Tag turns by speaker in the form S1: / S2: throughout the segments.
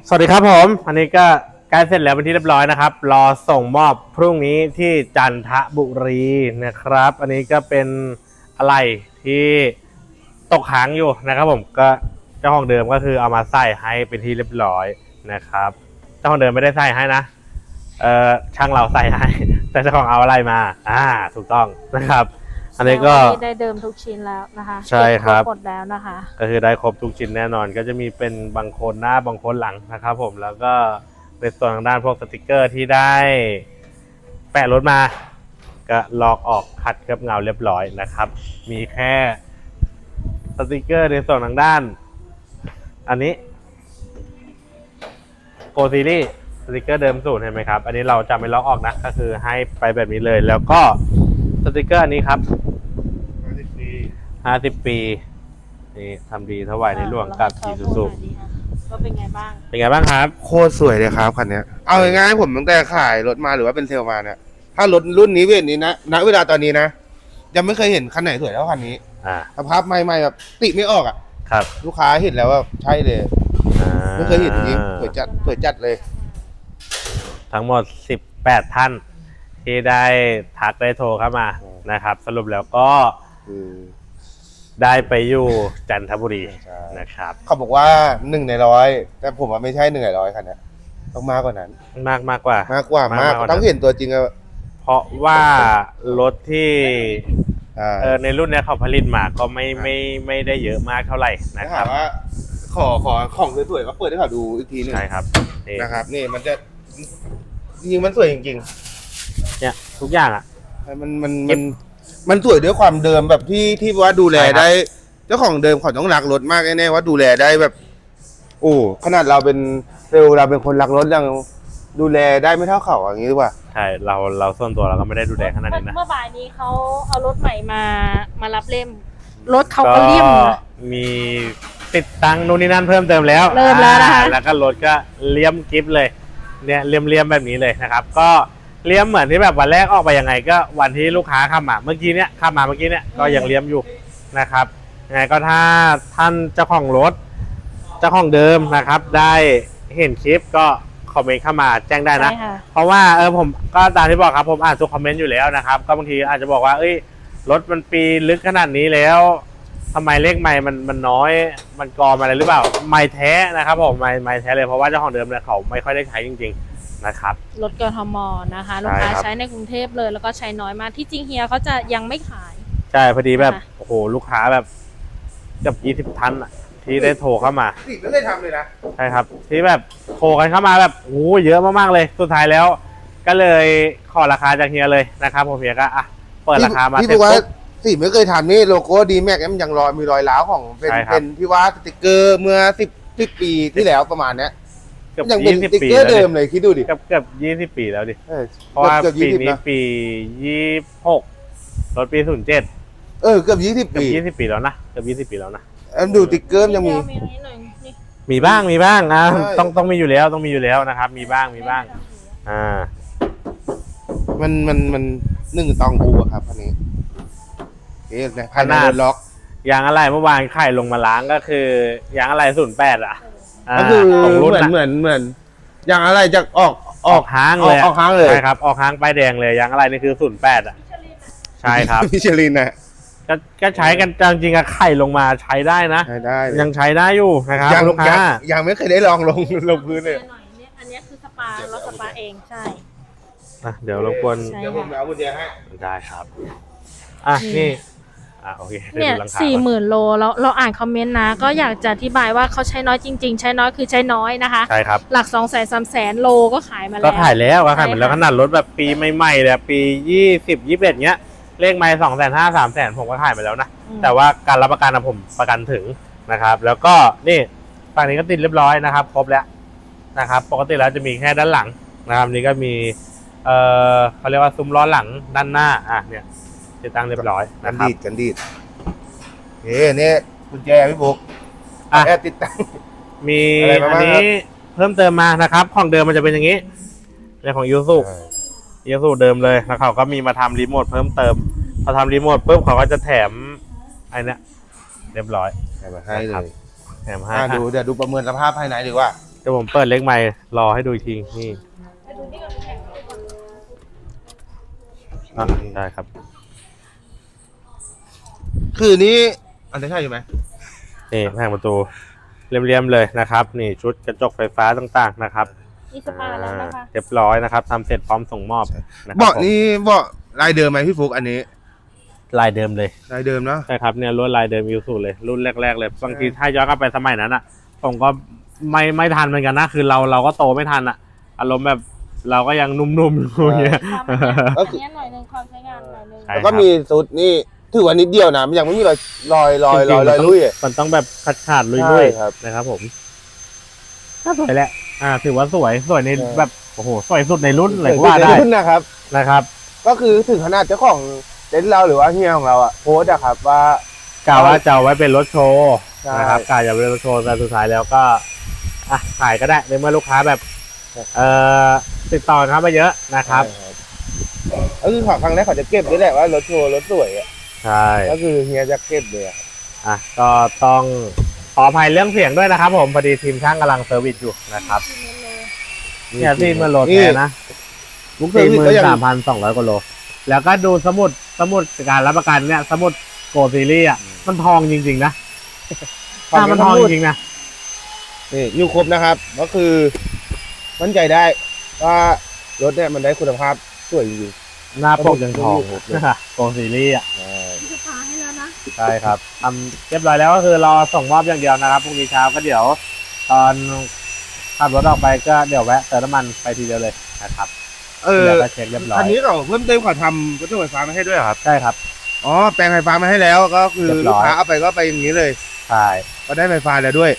S1: สวัสดีครับผมอันนี้ก็ใกล้เสร็จแล้วเป็นที่เรียบร้อยนะครับรอส่งมอบพรุ่งนี้ที่จันทบุรีนะครับ อันนี้ก็เป็นอะไรที่ตกค้างอยู่นะครับผมก็เจ้าของเดิมก็คือเอามาใส่ให้เป็นที่เรียบร้อยนะครับเจ้าของเดิมไม่ได้ใส่ให้นะช่างเราใส่ให้แต่เจ้าของเอาอะไรมาถูกต้องนะครับอันนี้ก็
S2: ได้เดิมทุกชิ้นแล้วนะคะ
S1: ใช่ครับ
S2: หมดแล้วนะคะ
S1: ก็คือได้ครบทุกชิ้นแน่นอนก็จะมีเป็นบางคนหน้าบางคนหลังนะครับผมแล้วก็ในส่วนทางด้านพวกสติกเกอร์ที่ได้แปะรถมาก็ลอกออกขัดเคลือบเงาเรียบร้อยนะครับมีแค่สติกเกอร์ในส่วนทางด้านอันนี้โกซีรีส์สติกเกอร์เดิมสูตรเห็นไหมครับอันนี้เราจะไม่ลอกออกนะก็คือให้ไปแบบนี้เลยแล้วก็สติกเกอร์อันนี้ครับ50 ปีนี่ทำดีถวายในหลวงกับอีซูซุ
S2: ก็เป็นไงบ้าง
S1: เป็นไงบ้างครับ
S3: โคตรสวยเลยครับคันนี้เอาง่ายๆผมตั้งแต่ขายรถมาหรือว่าเป็นเซลล์มาเนี่ยถ้ารถรุ่นนี้เวทนี้นะณเวลาตอนนี้นะยังไม่เคยเห็นคันไหนสวยเท่าคันนี้สภาพใหม่ๆแบบติไม่ออกอ่ะ
S1: ครับ
S3: ลูกค้าเห็นแล้วว่าใช่เลยไม่เคยเห็นจริงสวยจัดเลย
S1: ทั้งหมด18ท่านที่ได้ทักได้โทรเข้ามานะครับสรุปแล้วก็ได้ไปอยู่จันทบุรีนะครับ
S3: เขาบอกว่า1 ใน 100แต่ผมว่าไม่ใช่1 ใน 100คันนี้ต้องมากกว่านั้น
S1: มากกว่า
S3: ต้องเห็นตัวจริงอะ
S1: เพราะว่ารถที่ในรุ่นนี้เขาผลิตมาก็ไม่ได้เยอะมากเท่าไหร่นะครับ
S3: ว่าขอของสวยๆก็เปิดให้เขาดูอีกทีนึง
S1: ใช่ครับ
S3: นะครับนี่มันจะจริงมันสวยจริง
S1: ๆเนี่ยทุกอย่างอ่ะ
S3: มันสวยด้วยความเดิมแบบที่ว่าดูแลได้เจ้าของเดิมเขาต้องรักรถมากแน่ๆว่าดูแลได้แบบโอ้ขนาดเราเป็นเราเป็นคนรักรถยังดูแลได้ไม่เท่าเขาอย่างนี้หรือเปล่า
S1: ใช่เราส่วนตัวเราก็ไม่ได้ดูแลขนาดนี้นะ
S2: เมื่อบ่ายนี้เขาเอารถใหม่มารับเล่มรถเขาก็เลี่ยม
S1: มีติดตั้งนู่นนี่นั่นเพิ่มเติมแล้ว
S2: เริ่มแล้วนะคะ
S1: แล้วก็รถก็เลี่ยมกิฟเลยเนี่ยเลี่ยมแบบนี้เลยนะครับก็เลี่ยมเหมือนที่แบบวันแรกออกไปยังไงก็วันที่ลูกค้าเข้ามาเมื่อกี้เนี่ยก็ยังเลี่ยมอยู่นะครับยังไงก็ถ้าท่านเจ้าของรถเจ้าของเดิมนะครับได้เห็นคลิปก็คอมเมนต์เข้ามาแจ้งได้นะเพราะว่าผมก็ตามที่บอกครับผมอ่านทุกคอมเมนต์อยู่แล้วนะครับก็บางทีอาจจะบอกว่ารถมันปีลึกขนาดนี้แล้วทำไมเลขไมล์มันน้อยมันกอมอะไรหรือเปล่าไมล์แท้นะครับผมไมล์แท้เลยเพราะว่าเจ้าของเดิมเนี่ยเขาไม่ค่อยได้ใช้จริงๆนะครับ
S2: รถกทมนะคะลูกค้าใช้ในกรุงเทพเลยแล้วก็ใช้น้อยมากที่จริงเฮียเขาจะยังไม่ขาย
S1: ใช่พอดีแบบโอ้โหลูกค้าแบบเกือบ20 ท่านอะที่ได้โทรเข้ามา
S3: ไม่ได้ทำเลยนะ
S1: ใช่ครับที่แบบโทรกันเข้ามาแบบโอ้เยอะมากๆเลยสุดท้ายแล้วก็เลยขอราคาจากเฮียเลยนะครับผมเฮียก็เปิดราคามา
S3: ที่บอกว่าสิไม่เคยทำนี่โลโก้ดีแม็กมันยังมีรอยร้าวของเป็นที่ว่าสติกเกอร์เมื่อ10 ปีที่แล้วประมาณเนี้ยยังเป็นสติกเกอร์เดิมเลยคิดดูดิ
S1: เกือบ20 ปีแล้วดิเพราะว่าปีนี้ปี26รถปี07
S3: เกือบ20 ปี
S1: แล้วนะเกือบ20 ปีแล้วนะ
S3: ดูสติกเกอร์ยัง
S1: มีบ้างต้องมีอยู่แล้วนะครับมีบ้าง
S3: มัน1 ตองอูครับอันนี้
S1: ขนาดล็อกยางอะไรเมื่อวานไข่ลงมาล้างก็คือยางอะไร08
S3: ก็คือเหมือนยางอะไรจะออก
S1: ห้างเลยใช่ครับออกห้างป้ายแดงเลยยางอะไรนี่คือ08ใช่ครับ
S3: มิชลินนะ
S1: ก็ใช้กันจริงๆไข่ลงมาใช้ได้นะยังใช้ได้อยู่นะครับลูกค้า
S3: ยังไม่เคยได้ลองลงพื้นเลย
S2: อันนี้คือสปาเราสปาเองใช่
S1: เดี๋ยวรบกวน
S3: เดี๋ยวผมเอากุญแจให้
S1: ได้ครับนี่โอเค
S2: เนี่ย40,000 โลเราอ่านคอมเมนต์นะก็อยากจะอธิบายว่าเขาใช้น้อยจริงๆใช้น้อยคือใช้น้อยนะคะ
S1: ใช่ครับ
S2: หลัก200,000-300,000 โลก็ขายมาแล้ว
S1: ก็ขายแล้วขนาดรถแบบปีใหม่ๆเลยปี20-21เงี้ยเลขไมล์250,000-300,000ผมก็ขายไปแล้วนะแต่ว่าการรับประกันผมประกันถึงนะครับแล้วก็นี่ฝั่งนี้ก็ติดเรียบร้อยนะครับครบแล้วนะครับปกติแล้วจะมีแค่ด้านหลังนะครับนี่ก็มีเขาเรียกว่าซุ้มล้อหลังด้านหน้าเนี่ยติดตั้งเรียบร้อยนะครับ
S3: กันดีดเนี่ยกุญแจพี่บุ๊กแอบติดตั้ง
S1: มีอันนี้เพิ่มเติมมานะครับของเดิมมันจะเป็นอย่างนี้เรื่องของยูสุเดิมเลยแล้วเขาก็มีมาทำรีโมทเพิ่มเติมพอทำรีโมทปุ๊บเขาก็จะแถมไอ้นี่เรียบร้อย
S3: ให้เลย
S1: แถมให้
S3: เดี๋ยวดูประเมินสภาพภายในดีกว่า
S1: เดี๋ยวผมเปิดเล็กใหม่รอให้ดูอีกทีนี่ได้ครับ
S3: คือนี้อันนี้ใช่ไหม
S1: นี่แผงประตูเรียมๆเลยนะครับ นี่ชุดกระจกไฟฟ้าต่างๆนะครับ
S2: มีสปาแล้วนะคะ
S1: เรียบร้อยนะครับทำเสร็จพร้อมส่งมอบนะครับ
S3: เบาะนี่เบาะลายเดิมไหมพี่ฟุกอันนี้
S1: ลายเดิมเลย
S3: ลายเดิมเนาะ
S1: ใช่ครับเนี่ยรุ่นลายเดิมยูสุเลยรุ่นแรกๆเลยบางทีถ้าย้อนกลับไปสมัยนั้นอ่ะผมก็ไม่ทันเหมือนกันนะคือเราก็โตไม่ทันอ่ะอารมณ์แบบเราก็ยังนุ่มๆอยู่อย่างเงี้ย
S2: อันนี้หน่อยนึงความใช้งานหน่อยนึง
S1: ใช่
S3: แล้วก็มีซุดนี่ถือว่านิดเดียวนะมันยังไม่มีรอย
S1: จริงๆ
S3: ลุยอะ
S1: มันต้องแบบขาดๆลุ
S3: ใช่
S1: ย
S3: ครับ
S1: ๆนะครับผมก็สวยแหละถือว่าสวยในแบบโอ้โหสวยสุดในรุ่นเลยก็ว่าได้
S3: ขึ้นนะครับ
S1: นะครับ
S3: ก็คือถึงขนาดเจ้าของเต็นท์เราหรือว่าเฮียของเราอะโพสต์อะครับว่าก
S1: ะว่าจะเอาไว้เป็นรถโชว์
S3: ใช่
S1: นะครับกะจะเป็นรถโชว์แต่สุดท้ายแล้วก็ขายก็ได้ในเมื่อลูกค้าแบบติดต่อครับมาเยอะนะครับ
S3: ใช่ก็คือครั้งแรกเขาจะเก็บด้วยแหละว่ารถโชว์รถสวยอะ
S1: ใช่
S3: ก็คือเฮียจะเก็บเลยอะครับ
S1: ก็ต้องขออภัยเรื่องเสียงด้วยนะครับผมพอดีทีมช่างกำลังเซอร์วิสอยู่นะครับเนี่ยที่มันโหลดแท้นะ
S3: มุกเซอร์วิสก็ยัง
S1: 43,200 กว่าโลแล้วก็ดูสมุดการรับประกันเนี่ยสมุดโกซีรีส์อ่ะมันทองจริงๆนะมันทองจริงๆนะ
S3: นี่อยู่ครบนะครับ ก็คือมั่นใจได้ว่ารถเนี่ยมันได้คุณภาพสวยจริง
S1: หน้าปกยังทอง
S3: ผม
S1: โกซีรีส์อ่ะ
S3: ๆ
S2: มีสปาให้แล้วนะ
S1: ใช่ครับทำเรียบร้อยแล้วก็คือรอส่งมอบอย่างเดียวนะครับพรุ่งนี้เช้าก็เดี๋ยว ตอนขับรถออกไปก็เดี๋ยวแวะเติมน้ำมันไปทีเดียวเลยนะครับเดี๋ยวก็เช็คเรียบร้อย
S3: คันนี้เขาเพิ่มเติมเขาทำรถไฟฟ้ามาให้ด้วยเหรอครับ
S1: ใช่ครับ
S3: อ๋อแปลงไฟฟ้ามาให้แล้วก็คือ
S1: เรียบร้
S3: ลู
S1: อก ย
S3: ค้าเอาไปก็ไปอย่างนี้เลย
S1: ใช่
S3: ก็ได้ไฟฟ้าแล้วด้วย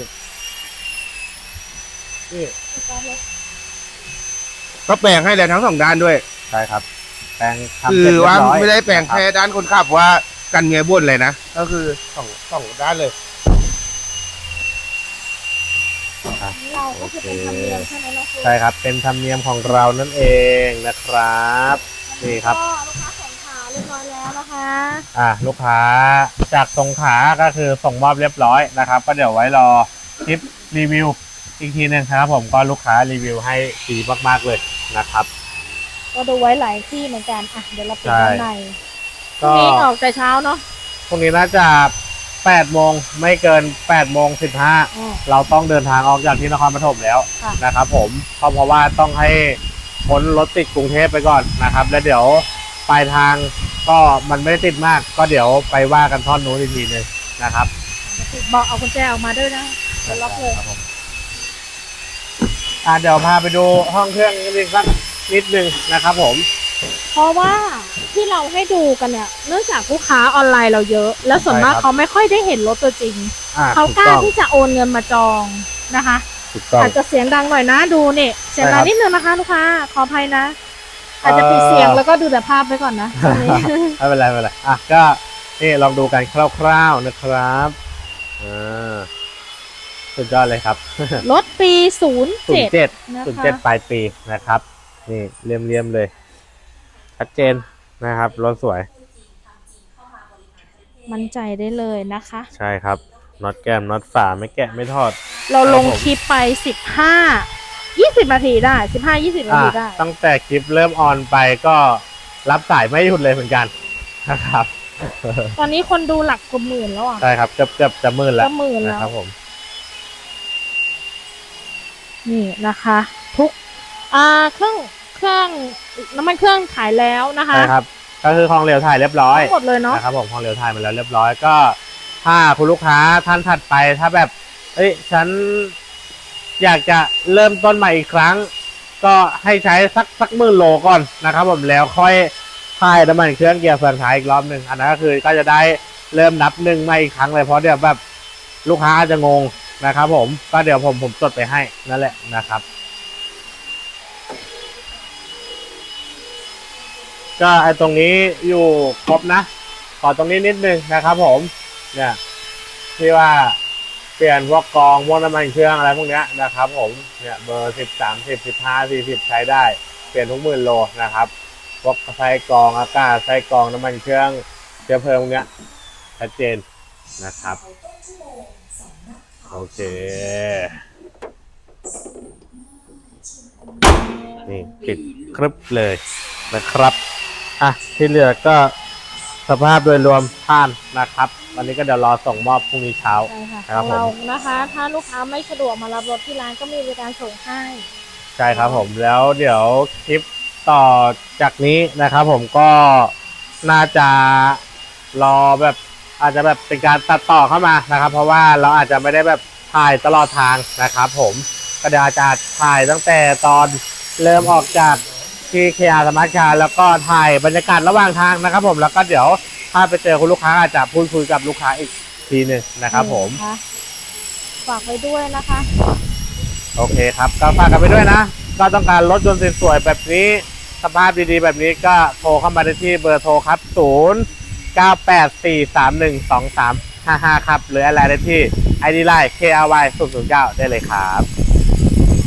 S3: ก็แปลงให้แล้วทั้งสองด้านด้วย
S1: ใช่ครับแปลงทำ
S3: คื
S1: เสร็จ
S3: อ
S1: เรีย
S3: ว่า
S1: บร้อย
S3: ไม่ได้แปลง
S1: นะครับ
S3: แค่ด้านคนขับว่ากันเมียบ่นเลยนะ ก็คือสองด้านเลย
S2: เราก็คือเป็นธรรมเนียมใช่ไหมน้องฟุ๊ก
S1: ใช่ครับเป็นธรรมเนียมของเรานั่นเองนะครับนี่ครับ
S2: ก็ลูกค้าส่งขาเรียบร้อยแล้วนะคะ
S1: ลูกค้าจากสงขลาก็คือส่งมอบเรียบร้อยนะครับ ก็เดี๋ยวไว้รอคลิปรีวิวอีกทีหนึงครับผมก็ลูกค้ารีวิวให้ดีมากๆเลยนะครับ
S2: ก็ดูไว้หลายที่เหมือนกันอ่ะเดี๋ยวเราไป
S1: ใช่
S2: ด้านในพรุ่
S1: ก็
S2: งนี้ออกแต่เช้าเนาะ
S1: พรุ่งนี้น่าจะ8 โมงไม่เกิน8 โมง 15
S2: อ๋อ
S1: เราต้องเดินทางออกจากที่นครปฐมแล้ว
S2: ค่ะ
S1: นะครับผมเพราะว่าต้องให้พ้นรถติดกรุงเทพไปก่อนนะครับ แล้วเดี๋ยวปลายทางก็มันไม่ได้ติดมาก ก็เดี๋ยวไปว่ากันท่อนนู้นอีกทีหนึงนะครับ
S2: บอกเอากุญแจออกมาด้วยนะเดี๋ยวล็อกเลย
S1: ครับผมเดี๋ยวพาไปดูห้องเครื่องนิดนึงสักนิดนึงนะครับผม
S2: เพราะว่าที่เราให้ดูกันเนี่ยเนื่องจากลูกค้าออนไลน์เราเยอะ แล้วส่วนมากเขาไม่ค่อยได้เห็นรถตัวจริง เขา
S1: ถู
S2: กล้า
S1: ต้อง
S2: ที่จะโอนเงินมาจองนะคะ
S1: ถูกต้อง
S2: อาจจะเสียงดังหน่อยนะดูนี่เสียงดัง
S1: ใช่ครับ
S2: นิดนึงนะคะลูกค้าขออภัยนะ อาจจะปิดเสียงแล้วก็ดูแต่ภาพไปก่อนนะตอนนี้
S1: ไม่เป็นไรไม่เป็นไรก็นี่ลองดูกันคร่าวๆนะครับสุดยอดเลยครับ
S2: รถปี 07 นะคะ
S1: 07 ปลายปีนะครับ นี่เลี่ยมๆเลย ชัดเจนนะครับรถสวย
S2: มั่นใจได้เลยนะคะ
S1: ใช่ครับน็อตแก้มน็อตฝาไม่แกะไม่ทอด
S2: เราลง
S1: ครับผม
S2: คลิปไป 20 นาทีได้ 15-20 นาทีได้
S1: ตั้งแต่คลิปเริ่มออนไปก็รับสายไม่หยุดเลยเหมือนกันนะครับ
S2: ตอนนี้คนดูหลักกว่าหมื่นแล้วอ่ะ
S1: ใช่ครับเกือบจะหมื่นแล้ว
S2: จะหมื่นแล้ว
S1: นะครับผม
S2: นี่นะคะ ทุกเครื่องน้ำมันเครื่องขายแล้วนะคะ
S1: ใช่ครับ ก็คือของเหลวถ่ายเรียบร้อย
S2: ทั้งหมดเลยเนาะ
S1: นะครับผมของเหลวถ่ายมาแล้วเรียบร้อยก็ ถ้าคุณลูกค้าท่านถัดไปถ้าแบบฉันอยากจะเริ่มต้นใหม่อีกครั้ง ก็ให้ใช้สักหมื่นโลก่อนนะครับผมแล้วค่อยถ่ายน้ำมันเครื่องเกียร์เฟืองท้ายอีกรอบหนึ่งอันนั้นก็คือก็จะได้เริ่มนับหนึ่งใหม่อีกครั้งเลยเพราะเดี๋ยวแบบลูกค้าอาจจะงงนะครับผมก็เดี๋ยวผมจดไปให้นั่นแหละนะครับ ก็ไอ้ตรงนี้อยู่ครบนะขอตรงนี้นิดนึงนะครับผมเนี่ยที่ว่าเปลี่ยนพวกกองพวกน้ำมันเครื่องอะไรพวกเนี้ยนะครับผมเนี่ยเบอร์10 30 15 40ใช้ได้เปลี่ยนทุกหมื่นโลนะครับพวกไส้กรองอากาศไส้กรองน้ำมันเครื่องเชื้อเพลิงพวกเนี้ยชัดเจนนะครับโอเคนี่ปิดครึบเลยนะครับอ่ะที่เหลือก็สภาพโดยรวมผ่านนะครับวันนี้ก็เดี๋ยวรอส่งมอบพรุ่งนี้เช้า
S2: ใช่ค่ะ
S1: ครับ
S2: ของเรา
S1: ผม
S2: นะคะ ถ้าลูกค้าไม่สะดวกมารับรถที่ร้านก็มีบริการส่งให้
S1: ใช่ครับผมแล้วเดี๋ยวคลิปต่อจากนี้นะครับผมก็น่าจะรอแบบอาจจะแบบเป็นการตัดต่อเข้ามานะครับ เพราะว่าเราอาจจะไม่ได้แบบถ่ายตลอดทางนะครับผมก็เดี๋ยวอาจจะถ่ายตั้งแต่ตอนเริ่มออกจากที่เคอาสมาร์ทคาร์แล้วก็ถ่ายบรรยากาศระหว่างทางนะครับผมแล้วก็เดี๋ยวถ้าไปเจอคุณลูกค้าอาจจะพูดคุยกับลูกค้าอีกทีหนึ่งนะครับผม
S2: นะคะฝากไว้ด้วยนะคะ
S1: โอเคครับก็ฝากกันไปด้วยนะก็ต้องการรถยนต์สวยๆแบบนี้สภาพดีๆแบบนี้ก็โทรเข้ามาได้ที่เบอร์โทรครับ0984312355ครับหรืออะไรได้ที่ ID Line KRY 009ได้เลยครับ